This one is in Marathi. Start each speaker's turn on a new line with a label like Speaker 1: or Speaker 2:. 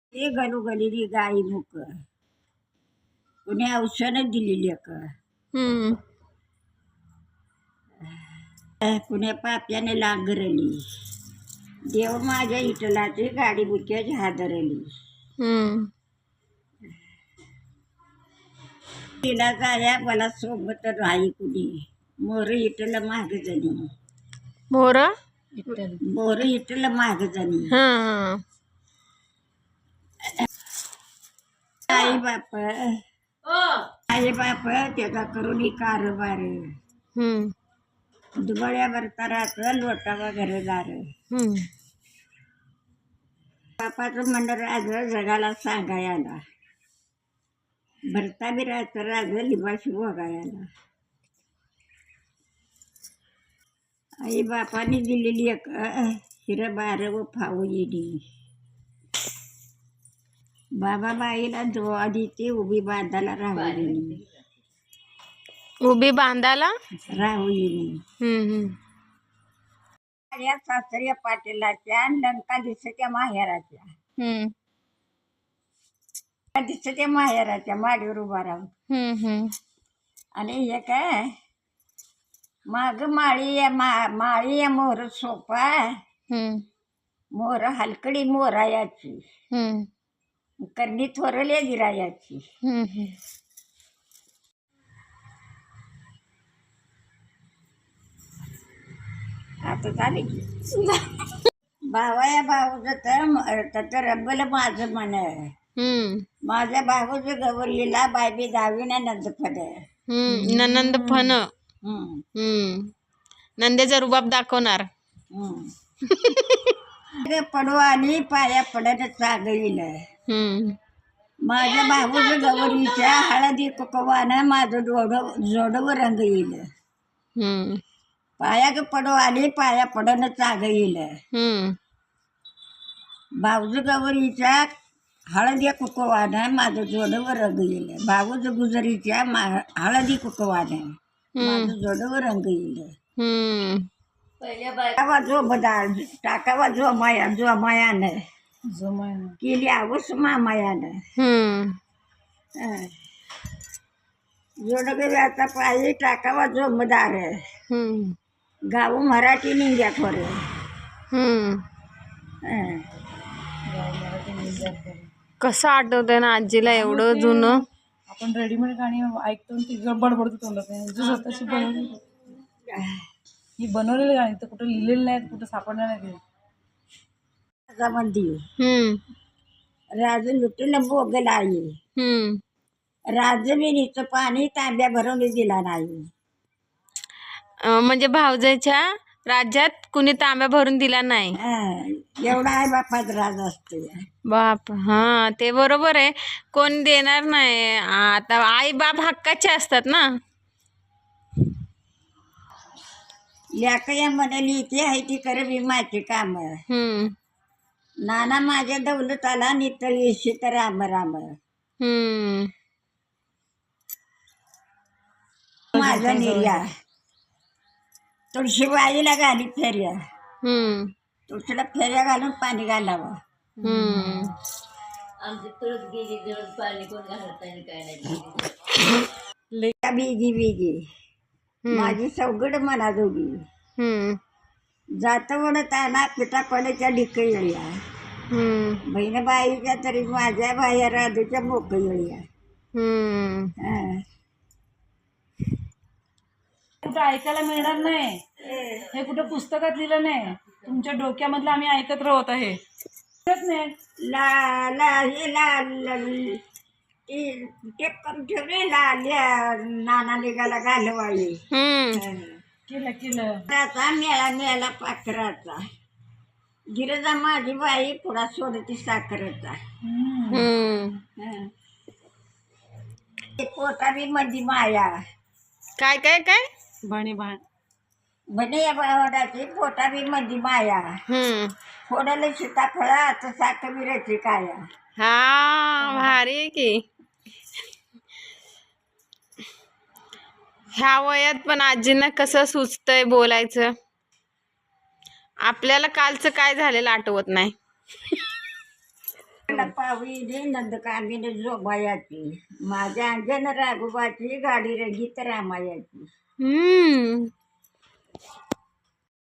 Speaker 1: ते गलोगलेली गाई मुक कोणी औषधं दिलेली का
Speaker 2: हम्म
Speaker 1: कुण्या पाप्याने लागरली देव माझ्या इटलाची गाडी बुक्याची हादरली
Speaker 2: हम्म
Speaker 1: तिला जाया मला सोबत राही कुणी मोर इटला माग जणी
Speaker 2: मोर
Speaker 1: मोर इटला माग जणी
Speaker 2: हा
Speaker 1: आई बाप त्याचा करून कारभार दुबळ्यावर तरात लोटावा घरदार बापाचं मंडळ राज जगाला सांगायला भरता बिराचं राज लिबाशी बघायला आई बापाने दिलेली एक हिरबार व फाऊ येडी बाबा बाईला जो आधी ते उभी बांधायला राहुली
Speaker 2: उभी बांधाला
Speaker 1: राहुली या सासऱ्या पाटीलाच्या लंका दिसत्या माहेराच्या दिसत्या माहेराच्या माडीवर उभा राहून आणि हे काय माग माळी मोर सोपा मोर हलकडी मोरायाची करणी थोरल्या गिरायाची आता झाले की भावाया भाऊच तर रब्बल माझं मन माझ्या भाऊचं गवरलीला बायबी दावी ना नंदफड
Speaker 2: नंद फन नंदेचा रुबाब दाखवणार
Speaker 1: पडू आणि पाया पडत चागईल माझ्या भाऊचं गवरीच्या हळदी कुकवानं माझं जोडव रंग येईल पाया पडू आली पाया पडन चाग येईल भाऊज गवरीच्या हळदी कुकवानं माझं जोडव रंग येईल भाऊज गुजरीच्या हळदी कुकवानं माझं जोडव रंग येईल टाकावा जो बदाल टाकावा जो मायानं केली आवस मायानं जोडव्याचा पायी टाकावा जो मदार गाव मराठी निंग्या खोर
Speaker 2: कसं आठवतंय ना आजीला एवढं जुनं
Speaker 3: आपण रेडीमेड गाणी ऐकतो ती बडबडतो तोंडात जो स्वतःची बनवली ही बनवलेली गाणी तर कुठं लिहिलेली नाहीत कुठं सापडणार नाही
Speaker 1: राज लुटीला बोगला आई राजविणीचं पाणी तांब्या भरून दिला नाही
Speaker 2: म्हणजे भाऊजाच्या राज्यात कुणी तांब्या भरून दिला नाही
Speaker 1: एवढा आई बापात राज असतो
Speaker 2: बाप हा ते बरोबर आहे कोण देणार नाही आता आई बाप हक्काचे असतात ना
Speaker 1: लेकया म्हणाली ती आहे ती कर विमाची काम नाना माझ्या दौलताला नितळी शीत राम राम माझा निर्या तुळशी बाईला घाली फेऱ्या तुळशीला फेऱ्या घालून पाणी घालावं आमची तुळस गेली जळून पाणी कोण घालत नाही काय नाही बिगी बिगी माझी सवगड मना दोघी जात वडताना पिठा पडायच्या ढिक येळ्या बहिणबाईच्या तरी माझ्या बाया राधूच्या मोक येळ्या
Speaker 3: कुठं ऐकायला मिळणार नाही हे कुठं पुस्तकात लिहिलं नाही तुमच्या डोक्यामधलं आम्ही ऐकत राहत आहे
Speaker 1: ला ला हे ला टेप करून ठेवले लाल्या नाना निघाला घालवाई
Speaker 3: केलं
Speaker 1: त्याचा मेळा पाखराचा गिरजा माझी बाई पुढा सोडती साखरेचा पोटा बी मध्ये माया
Speaker 2: काय काय काय
Speaker 1: म्हणे या बावडाची पोटा बी मध्ये माया फोडलं सीताफळ आता साखर काया
Speaker 2: हा भारी आहे की ह्या वयात पण आजींना कसं सुचतंय बोलायचं आपल्याला कालचं काय झालेलं आठवत नाही
Speaker 1: पावी नंदकामिनी जोबायाची माझ्या अंजन राघोबाची गाडी रंगीत रामायाची.